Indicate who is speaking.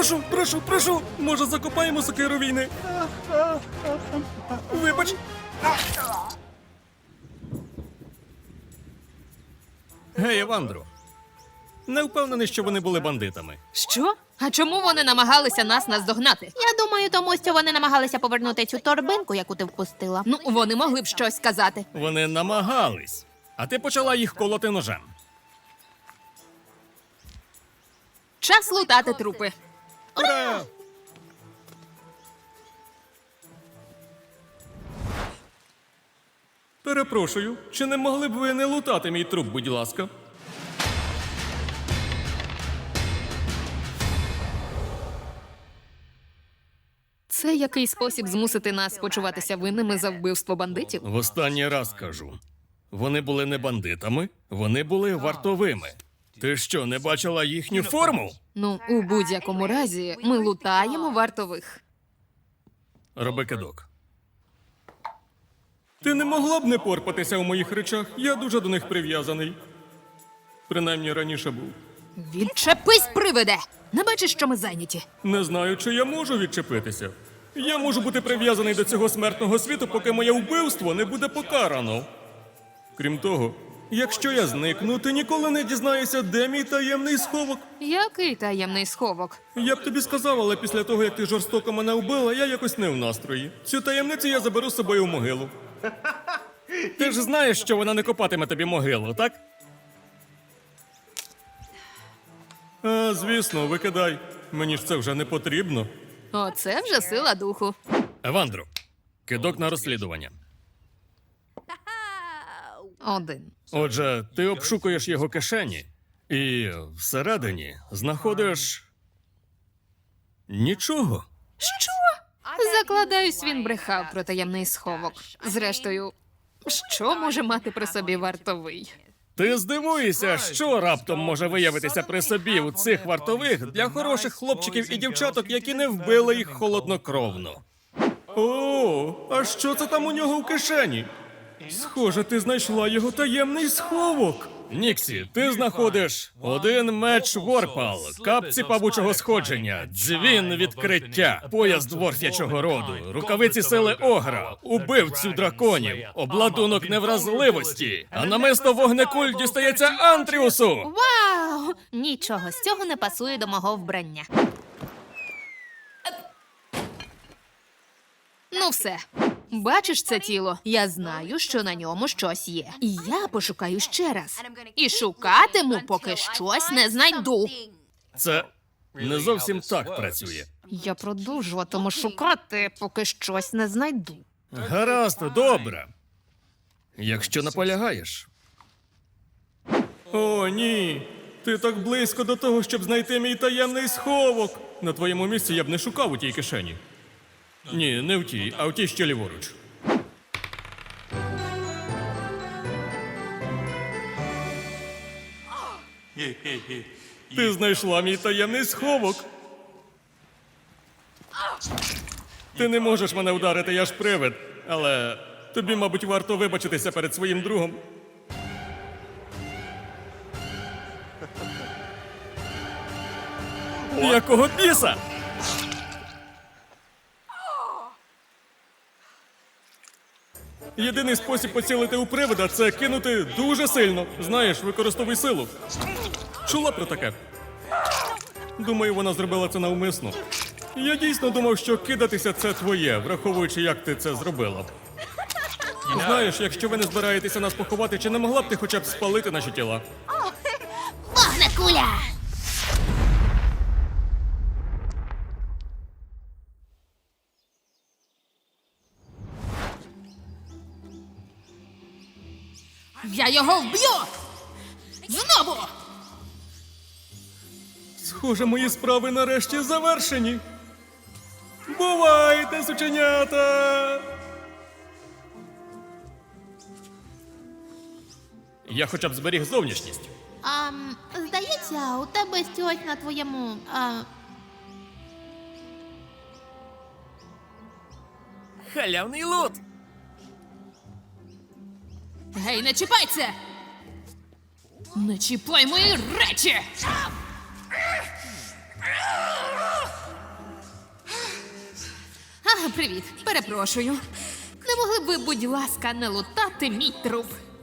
Speaker 1: прошу! Може, закопаємо сокиру війни? Вибач! Гей, Евандро. Не впевнений, що вони були бандитами.
Speaker 2: Що? А чому вони намагалися нас наздогнати?
Speaker 3: Я думаю, тому що вони намагалися повернути цю торбинку, яку ти впустила.
Speaker 2: Ну, вони могли б щось сказати.
Speaker 1: Вони намагались. А ти почала їх колоти ножем.
Speaker 2: Час лутати трупи.
Speaker 1: Ура! Перепрошую, чи не могли б ви не лутати мій труп, будь ласка?
Speaker 2: Це який спосіб змусити нас почуватися винними за вбивство бандитів?
Speaker 1: В останній раз кажу. Вони були не бандитами, вони були вартовими. Ти що, не бачила їхню форму?
Speaker 2: Ну, у будь-якому разі, ми лутаємо вартових.
Speaker 1: Роби кидок. Ти не могла б не порпатися у моїх речах? Я дуже до них прив'язаний. Принаймні раніше був.
Speaker 2: Відчепись, привиде! Не бачиш, що ми зайняті?
Speaker 1: Не знаю, чи я можу відчепитися. Я можу бути прив'язаний до цього смертного світу, поки моє вбивство не буде покарано. Крім того, якщо я зникну, ти ніколи не дізнаєшся, де мій таємний сховок.
Speaker 2: Який таємний сховок?
Speaker 1: Я б тобі сказав, але після того, як ти жорстоко мене вбила, я якось не в настрої. Цю таємницю я заберу з собою в могилу. Ти ж знаєш, що вона не копатиме тобі могилу, так? А, звісно, викидай. Мені ж це вже не потрібно.
Speaker 2: Оце вже сила духу.
Speaker 1: Евандро, кидок на розслідування.
Speaker 2: 1.
Speaker 1: Отже, ти обшукуєш його кишені і всередині знаходиш нічого.
Speaker 2: Що? Закладаюсь, він брехав про таємний сховок. Зрештою, що може мати при собі вартовий?
Speaker 1: Ти здивуєшся, що раптом може виявитися при собі у цих вартових для хороших хлопчиків і дівчаток, які не вбили їх холоднокровно. О, а що це там у нього в кишені? Схоже, ти знайшла його таємний сховок. Ніксі, ти знаходиш один меч Ворпал, капці павучого сходження, дзвін відкриття, пояс дворф'ячого роду, рукавиці сили огра, убивцю драконів, обладунок невразливості, а намисто вогнекуль дістається Антріусу.
Speaker 3: Вау! Нічого з цього не пасує до мого вбрання.
Speaker 2: Ну все. Бачиш це тіло? Я знаю, що на ньому щось є. І я пошукаю ще раз. І шукатиму, поки щось не знайду.
Speaker 1: Це не зовсім так працює.
Speaker 2: Я продовжуватиму шукати, поки щось не знайду.
Speaker 1: Гаразд, добре. Якщо наполягаєш. О, ні. Ти так близько до того, щоб знайти мій таємний сховок. На твоєму місці я б не шукав у тій кишені. Ні, не в тій, а в тій, що ліворуч. Ти знайшла мій таємний сховок. Ти не можеш мене вдарити, я ж привид. Але тобі, мабуть, варто вибачитися перед своїм другом. Якого біса? Єдиний спосіб поцілити у привида – це кинути дуже сильно. Знаєш, використовуй силу. Чула про таке? Думаю, вона зробила це навмисно. Я дійсно думав, що кидатися – це твоє, враховуючи, як ти це зробила. Знаєш, якщо ви не збираєтеся нас поховати, чи не могла б ти хоча б спалити наші тіла?
Speaker 3: Вогнекуля!
Speaker 2: Я його вб'ю! Знову!
Speaker 1: Схоже, мої справи нарешті завершені. Бувайте, сученята! Я хоча б зберіг зовнішність.
Speaker 3: Здається, у тебе щось на твоєму...
Speaker 1: Халявний лут!
Speaker 2: Гей, не чіпай це! Не чіпай мої речі! Привіт, перепрошую. Не могли б ви, будь ласка, не лутати мій труп?